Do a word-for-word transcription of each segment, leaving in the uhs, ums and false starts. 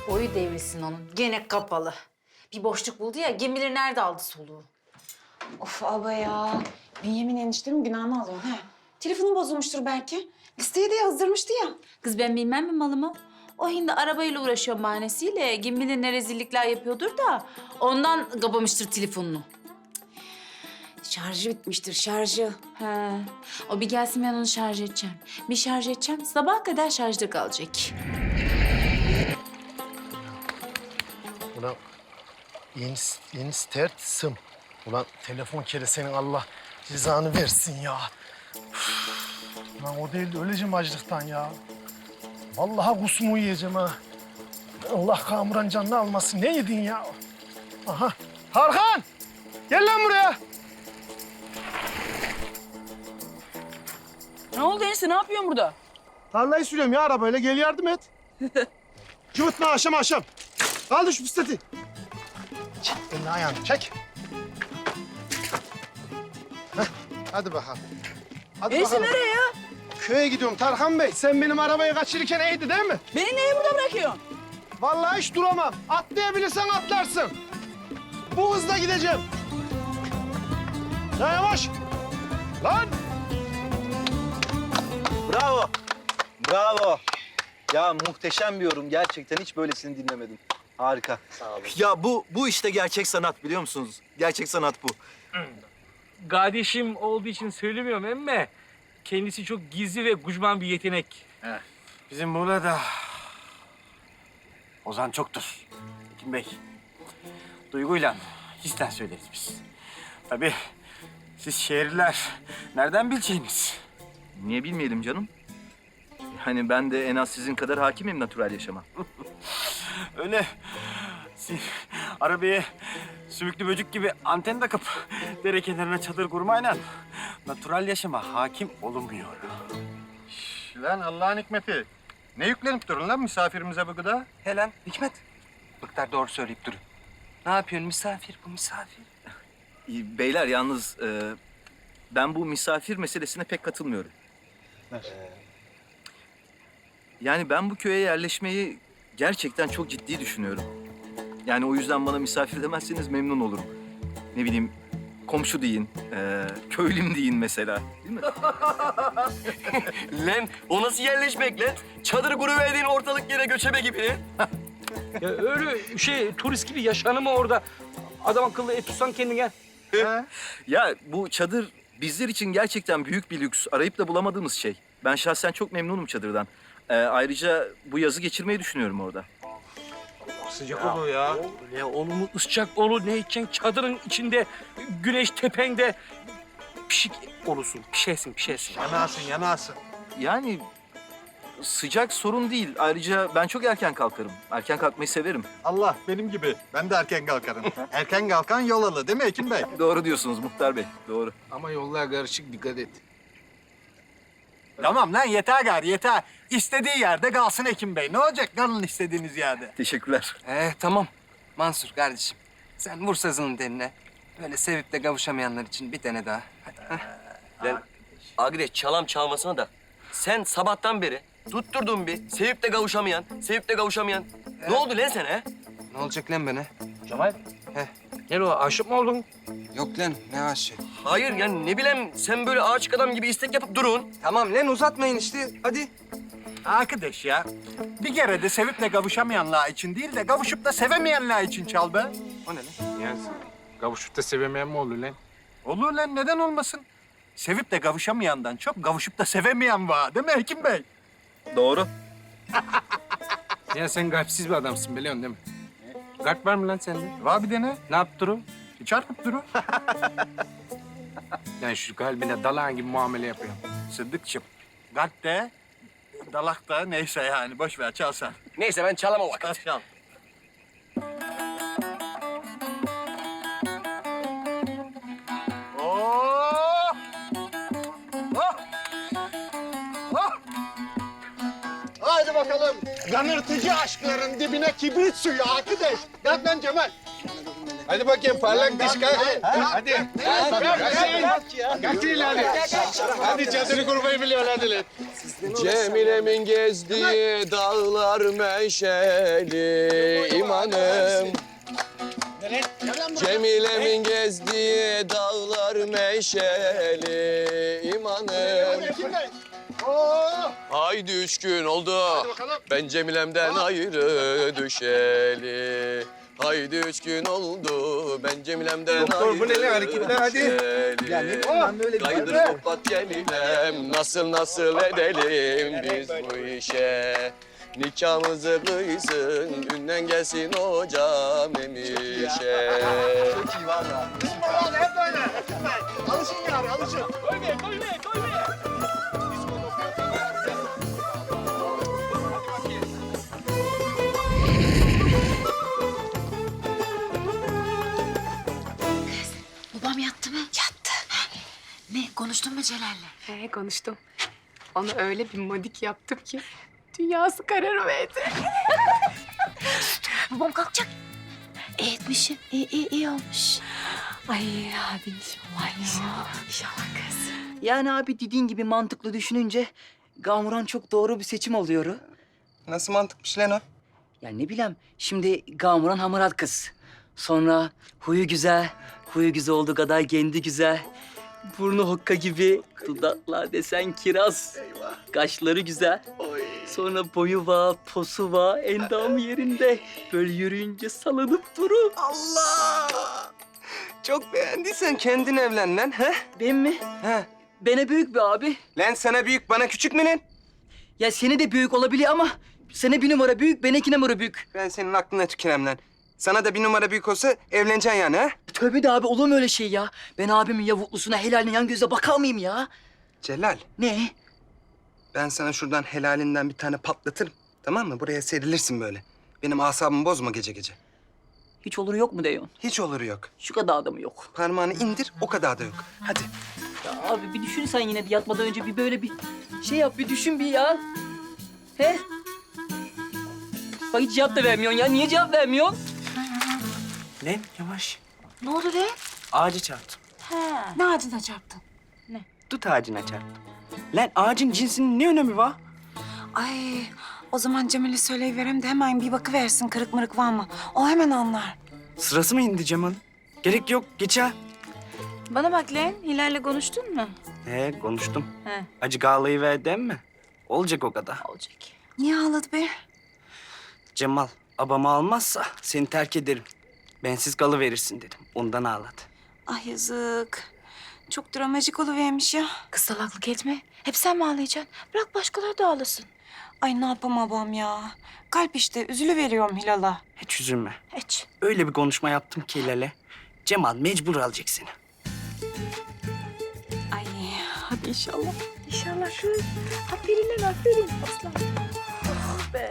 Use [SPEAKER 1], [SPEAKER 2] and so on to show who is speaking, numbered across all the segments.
[SPEAKER 1] Boyu devrilsin onun. Gene kapalı. Bir boşluk buldu ya, kim bilir nerede aldı soluğu.
[SPEAKER 2] Of abla ya. Bünyamin eniştemin günahını alıyorsun he. Telefonu bozulmuştur belki. Listeye de yazdırmıştı ya.
[SPEAKER 1] Kız ben bilmem mi malımı? O hindi arabayla uğraşıyor bahanesiyle. Kim bilir ne rezillikler yapıyordur da ondan kapamıştır telefonunu.
[SPEAKER 2] Şarjı bitmiştir şarjı.
[SPEAKER 1] He. O bir gelsin ben onu şarj edeceğim. Bir şarj edeceğim, sabaha kadar şarjda kalacak.
[SPEAKER 3] Ulan yeni, yeni start sım. Ulan telefon kere senin Allah cezanı versin ya. Üf. Ulan o değil de öleceğim açlıktan ya. Vallahi kusmu yiyeceğim ha. Allah kamuran canını almasın. Ne yedin ya? Aha. Tarkan! Gel lan buraya.
[SPEAKER 4] Ne oldu enişte? Ne yapıyorsun burada?
[SPEAKER 3] Tarlayı sürüyorum ya arabayla. Gel yardım et. Cıvıtma aşam aşam. Kaldır şu bisikleti. Çek elini ayağını çek. Heh, hadi bakalım. Hadi
[SPEAKER 4] Enişte
[SPEAKER 3] bakalım.
[SPEAKER 4] nereye ya?
[SPEAKER 3] Köye gidiyorum Tarkan Bey. Sen benim arabayı kaçırırken iyiydi değil mi?
[SPEAKER 4] Beni neye burada bırakıyorsun?
[SPEAKER 3] Vallahi hiç duramam. Atlayabilirsen atlarsın. Bu hızla gideceğim. Ya yavaş. Lan.
[SPEAKER 5] Bravo. Bravo. Ya muhteşem bir yorum. Gerçekten hiç böylesini dinlemedim. Harika. Sağ olun. Ya bu bu işte gerçek sanat biliyor musunuz? Gerçek sanat bu.
[SPEAKER 6] Kardeşim olduğu için söylemiyorum emme. Kendisi çok gizli ve gucman bir yetenek.
[SPEAKER 7] Bizim burada Ozan çoktur. Hekim Bey, duyguyla, histen söyleriz biz. Tabii siz şehirliler nereden bileceğiniz?
[SPEAKER 5] Niye bilmeyelim canım? Yani ben de en az sizin kadar hakimim natürel yaşama.
[SPEAKER 7] Öyle siz arabaya sümüklü böcek gibi anten takıp dere kenarına çadır kurmayla natürel yaşama hakim olunmuyor.
[SPEAKER 8] Lan Allah'ın hikmeti. Ne yüklenip durun lan misafirimize bu gıda?
[SPEAKER 9] He lan Hikmet. Bıktar doğru söyleyip durun. Ne yapıyorsun misafir bu misafir?
[SPEAKER 5] Beyler yalnız e, ben bu misafir meselesine pek katılmıyorum. Yani ben bu köye yerleşmeyi gerçekten çok ciddi düşünüyorum. Yani o yüzden bana misafir demezseniz memnun olurum. Ne bileyim komşu deyin, e, köylüm deyin mesela. Değil mi?
[SPEAKER 9] Lan o nasıl yerleşmek lan? Çadır kuruverdiğin ortalık yere göçebe gibi.
[SPEAKER 6] Ya öyle şey turist gibi yaşanır mı orada? Adam akıllı et tutsan kendine.
[SPEAKER 5] Ya bu çadır bizler için gerçekten büyük bir lüks. Arayıp da bulamadığımız şey. Ben şahsen çok memnunum çadırdan. E, ayrıca bu yazı geçirmeyi düşünüyorum orada.
[SPEAKER 6] Sıcak olur ya. Ya oğlumu ıscak olur. Ne içeceksin? Çadırın içinde, güneş tepende. Pişik olursun, pişersin, pişersin.
[SPEAKER 8] Yanarsın, yanarsın.
[SPEAKER 5] Yani sıcak sorun değil. Ayrıca ben çok erken kalkarım. Erken kalkmayı severim.
[SPEAKER 8] Allah benim gibi. Ben de erken kalkarım. Erken kalkan yol alır değil mi Hekim Bey?
[SPEAKER 5] Doğru diyorsunuz Muhtar Bey, doğru.
[SPEAKER 7] Ama yollar karışık, dikkat et.
[SPEAKER 8] Tamam lan yeter gari yeter. İstediği yerde kalsın Hekim Bey. Ne olacak kalın istediğiniz yerde.
[SPEAKER 5] Teşekkürler.
[SPEAKER 9] Ee tamam Mansur kardeşim. Sen vur sazının teline. Böyle sevip de kavuşamayanlar için bir tane daha. Hadi.
[SPEAKER 10] Lan Agre çalam çalmasına da sen sabahtan beri tutturdun bir sevip de kavuşamayan, sevip de kavuşamayan. Ne oldu lan sana he?
[SPEAKER 9] Ne olacak lan bana?
[SPEAKER 6] Cemal.
[SPEAKER 9] Heh.
[SPEAKER 6] Gel o aşık mı oldun?
[SPEAKER 9] Yok lan ne aşığı.
[SPEAKER 10] Hayır yani ne bileyim sen böyle ağaç adam gibi istek yapıp durun.
[SPEAKER 9] Tamam lan uzatmayın işte hadi.
[SPEAKER 8] Arkadaş ya. Bir kere de sevip de kavuşamayanlar için değil de kavuşup da sevemeyenler için çal be.
[SPEAKER 9] O ne lan?
[SPEAKER 7] Yani kavuşup da sevemeyen mi olur lan?
[SPEAKER 8] Olur lan neden olmasın? Sevip de kavuşamayandan çok kavuşup da sevemeyen var değil mi Hekim Bey?
[SPEAKER 5] Doğru.
[SPEAKER 7] Ya sen kalpsiz bir adamsın biliyorsun değil mi? Kalp var mı lan sende?
[SPEAKER 8] Var bir dene.
[SPEAKER 7] Ne yaptı durum?
[SPEAKER 8] Çarpıp durun.
[SPEAKER 7] Yani şu kalbine dalağın gibi muamele yapıyor.
[SPEAKER 8] Sıddıkçım. Kalp de, dalak da neyse yani boş ver çal sen.
[SPEAKER 10] Neyse ben çalamam vakit.
[SPEAKER 8] Çal çal. Oh! Oh! Oh! Haydi bakalım. Yanırtıcı aşkların dibine kibrit suyu arkadaş. Gel lan Cemal. Hadi bakayım parlak diş kalk. Hadi. Kaçın hadi. Hadi çadırı kurmayı biliyor hadi lan.
[SPEAKER 10] Cemile'min gezdiği dağlar meşeli imanım. Cemile'min gezdiği dağlar meşeli imanım. Haydi üç gün oldu. Ben Cemile'mden ayrı düşeli. Haydi üç gün oldu. Ben Cemile'mden
[SPEAKER 8] Doktor,
[SPEAKER 10] ayrı
[SPEAKER 8] bu ne lan hareketler, hadi.
[SPEAKER 10] düşeli.
[SPEAKER 8] Ya ne bileyim ben böyle bir-
[SPEAKER 10] Kaydır toplat Cemilem. Nasıl nasıl edelim biz bu işe? Nikahımızı kıysın, ünden gelsin hocam emişe.
[SPEAKER 3] Çok iyi valla. Bizim oralarda hep böyle. Alışın yani, alışın.
[SPEAKER 6] Koymayın, koymayın, koymayın.
[SPEAKER 2] Babam yattı mı? Yattı. Ne? Konuştun mu Celal'le?
[SPEAKER 11] He konuştum. Ona öyle bir modik yaptım ki dünyası kararıverdi.
[SPEAKER 2] Babam kalkacak. İyi etmişsin. İyi, iyi, iyi olmuş.
[SPEAKER 11] Ay hadi inşallah inşallah. İnşallah kız.
[SPEAKER 12] Yani abi dediğin gibi mantıklı düşününce Gamuran çok doğru bir seçim oluyor.
[SPEAKER 9] Nasıl mantıkmış lan o?
[SPEAKER 12] Ya ne bileyim şimdi Gamuran hamarat kız. Sonra huyu güzel, huyu güzel olduğu kadar kendi güzel. Burnu hokka gibi, dudaklar desen kiraz. Kaşları güzel. Sonra boyu var, posu var, endam yerinde. Böyle yürüyünce salınıp durur.
[SPEAKER 9] Allah! Çok beğendiysen kendin evlen lan, he?
[SPEAKER 12] Ben mi?
[SPEAKER 9] He.
[SPEAKER 12] Bana büyük bir abi.
[SPEAKER 9] Lan sana büyük, bana küçük mü lan?
[SPEAKER 12] Ya seni de büyük olabilir ama sana bir numara büyük, bana iki numara büyük.
[SPEAKER 9] Ben senin aklına tükürem lan. Sana da bir numara büyük olsa evleneceksin yani, ha?
[SPEAKER 12] Tövbe de abi olur mu öyle şey ya? Ben abimin yavuklusuna helaline yan gözle bakar mıyım ya?
[SPEAKER 9] Celal,
[SPEAKER 12] Ne?
[SPEAKER 9] ben sana şuradan helalinden bir tane patlatırım. Tamam mı? Buraya serilirsin böyle. Benim asabımı bozma gece gece.
[SPEAKER 12] Hiç oluru yok mu diyorsun?
[SPEAKER 9] Hiç oluru yok.
[SPEAKER 12] Şu kadar da mı yok?
[SPEAKER 9] Parmağını indir, o kadar da yok. Hadi.
[SPEAKER 12] Ya abi bir düşün sen yine de yatmadan önce bir böyle bir şey yap, bir düşün bir ya. He? Bak hiç cevap da vermiyorsun ya. Niye cevap vermiyorsun?
[SPEAKER 7] Lan yavaş.
[SPEAKER 2] Ne oldu be?
[SPEAKER 7] Ağacı çarptım.
[SPEAKER 2] Ne ağacına çarptın?
[SPEAKER 7] Dut ağacına çarptım. Lan ağacın cinsinin ne önemi var?
[SPEAKER 2] Ay, o zaman Cemal'e söyleyiverem de hemen bir bakıversin kırık mırık var mı? O hemen anlar.
[SPEAKER 7] Sırası mı indi Cemal? Gerek yok, geç ha.
[SPEAKER 1] Bana bak lan, Hilal'le konuştun mu?
[SPEAKER 7] He, konuştum.
[SPEAKER 1] He.
[SPEAKER 7] Acı ağlayı ver mi? Olacak o kadar.
[SPEAKER 1] Olacak.
[SPEAKER 2] Niye ağladı be?
[SPEAKER 7] Cemal, abamı almazsa seni terk ederim. Bensiz kalıverirsin dedim. Ondan ağladı.
[SPEAKER 2] Ay yazık. Çok dramajik oluvermiş ya.
[SPEAKER 1] Kız salaklık etme. Hep sen mi ağlayacaksın? Bırak başkaları da ağlasın.
[SPEAKER 2] Ay ne yapamam babam ya. Kalp işte üzülüveriyorum Hilal'a.
[SPEAKER 7] Hiç üzülme.
[SPEAKER 1] Hiç.
[SPEAKER 7] Öyle bir konuşma yaptım ki Hilal'e. Cemal mecbur alacak seni.
[SPEAKER 2] Ay hadi inşallah.
[SPEAKER 1] İnşallah kız. Aferin lan, aferin. Aslan. Oh be.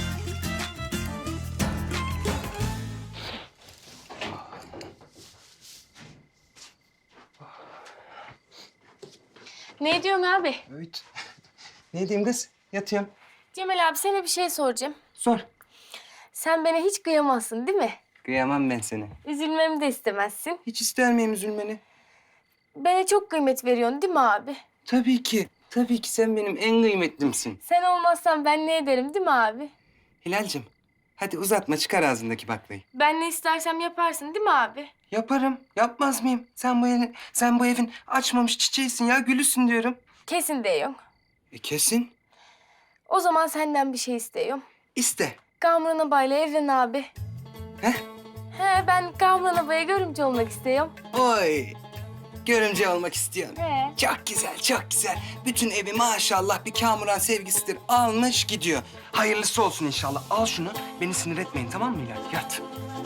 [SPEAKER 11] Ne diyorsun abi?
[SPEAKER 9] Evet. Ne diyeyim kız? Yatıyorum.
[SPEAKER 11] Cemal abi sana bir şey soracağım.
[SPEAKER 9] Sor.
[SPEAKER 11] Sen bana hiç kıyamazsın değil mi?
[SPEAKER 9] Kıyamam ben seni.
[SPEAKER 11] Üzülmemi de istemezsin.
[SPEAKER 9] Hiç ister miyim üzülmeni?
[SPEAKER 11] Bana çok kıymet veriyorsun değil mi abi?
[SPEAKER 9] Tabii ki. Tabii ki sen benim en kıymetlimsin.
[SPEAKER 11] Sen olmazsan ben ne ederim değil mi abi?
[SPEAKER 9] Hilal'cim, hadi uzatma çıkar ağzındaki baklayı.
[SPEAKER 11] Ben ne istersem yaparsın değil mi abi?
[SPEAKER 9] Yaparım. Yapmaz mıyım? Sen bu evin, sen bu evin açmamış çiçeğisin ya, gülüsün diyorum.
[SPEAKER 11] Kesin diyorum.
[SPEAKER 9] E kesin.
[SPEAKER 11] O zaman senden bir şey istiyorum.
[SPEAKER 9] İste.
[SPEAKER 11] Kamran abayla evlen abi.
[SPEAKER 9] Heh.
[SPEAKER 11] He ben Kamran abaya görümce olmak istiyorum.
[SPEAKER 9] Oy. Görümce olmak istiyorsun.
[SPEAKER 11] He.
[SPEAKER 9] Çok güzel, çok güzel. Bütün evi maşallah bir Kamuran sevgisidir. Almış gidiyor. Hayırlısı olsun inşallah. Al şunu. Beni sinir etmeyin tamam mı Hilal? Yat.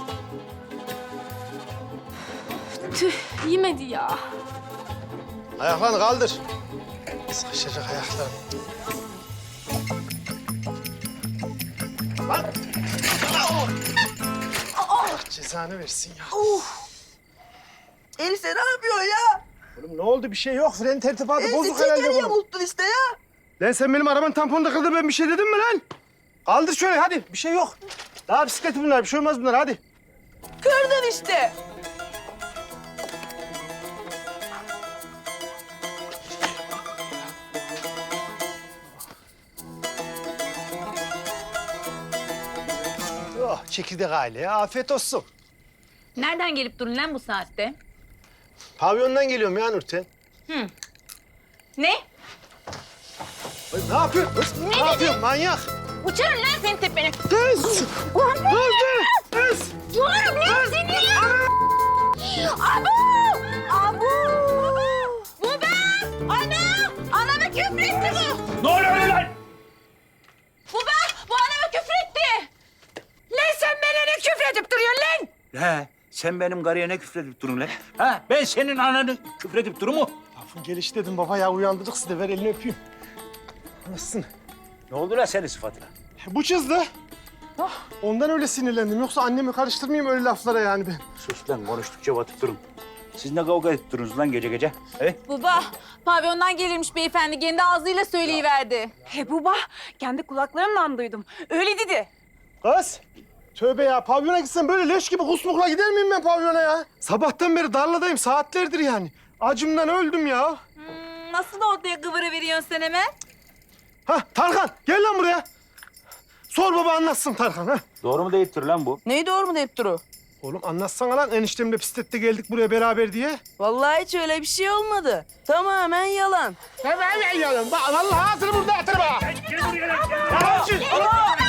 [SPEAKER 11] Tüh yemedi ya.
[SPEAKER 3] Ayaklarını kaldır. Sıkışacak ayaklar. Lan! Allah cezanı versin ya.
[SPEAKER 12] Enişte ne yapıyorsun ya?
[SPEAKER 3] Oğlum ne oldu? Bir şey yok. Fren tertibatı bozuk herhalde
[SPEAKER 12] Enişte
[SPEAKER 3] bunun.
[SPEAKER 12] yamuldun işte ya.
[SPEAKER 3] Lan sen benim arabanın tamponunu kırdın. Ben bir şey dedim mi lan? Kaldır şöyle hadi. Bir şey yok. Daha bisikleti bunlar. Bir şey olmaz bunlar hadi.
[SPEAKER 4] Kırdın işte.
[SPEAKER 3] Oh, çekirdek aileye afiyet olsun.
[SPEAKER 1] Nereden gelip durun lan bu saatte?
[SPEAKER 3] Pavyondan geliyorum ya Nurten.
[SPEAKER 1] Ne?
[SPEAKER 3] Ay, ne yapıyorsun kız? Ne, yapıyorsun manyak?
[SPEAKER 1] Uçarım lan senin tepene.
[SPEAKER 3] Kız! Kız! Kız!
[SPEAKER 1] Uçarım lan seni ya. Abu! Abu! Bu ben! Ana! Anama küfretti bu!
[SPEAKER 6] Ne oluyor lan?
[SPEAKER 1] Bu ben! Bu anama küfretti! Lan sen bana ne küfredip duruyorsun lan?
[SPEAKER 6] He, sen benim karıya ne küfredip durun lan? Ha, ben senin ananı küfredip durur mu?
[SPEAKER 3] Lafın gelişi dedim baba ya uyandırdık sizi de ver elini öpeyim. Nasılsın?
[SPEAKER 6] Ne oldu lan senin sıfatına?
[SPEAKER 3] Bu çizdi. Ondan öyle sinirlendim. Yoksa annemi karıştırmayayım öyle laflara yani ben.
[SPEAKER 6] Sus lan, konuştukça batıp durun. Siz ne kavga edip durunuz lan gece gece? He?
[SPEAKER 1] Baba, pavyondan gelirmiş beyefendi. Kendi ağzıyla söyleyiverdi.
[SPEAKER 2] He baba, kendi kulaklarımla duydum. Öyle dedi.
[SPEAKER 3] Kız! Tövbe ya pavyona gitsen böyle leş gibi kusmukla gider miyim ben pavyona ya? Sabahtan beri darladayım saatlerdir yani. Acımdan öldüm ya.
[SPEAKER 1] Hmm, nasıl ortaya kıvırı veriyorsun sen hemen?
[SPEAKER 3] Ha Tarkan gel lan buraya. Sor baba anlatsın Tarkan ha.
[SPEAKER 6] Doğru mu deyiptir lan bu?
[SPEAKER 4] Neyi doğru mu deyip duru?
[SPEAKER 3] Oğlum anlatsana lan eniştemle bisiklette geldik buraya beraber diye.
[SPEAKER 4] Vallahi hiç öyle bir şey olmadı. Tamamen yalan.
[SPEAKER 3] Hemen yalan. Bak vallahi ağzını burada atırma.
[SPEAKER 6] Gel buraya lan.
[SPEAKER 3] Yalancı.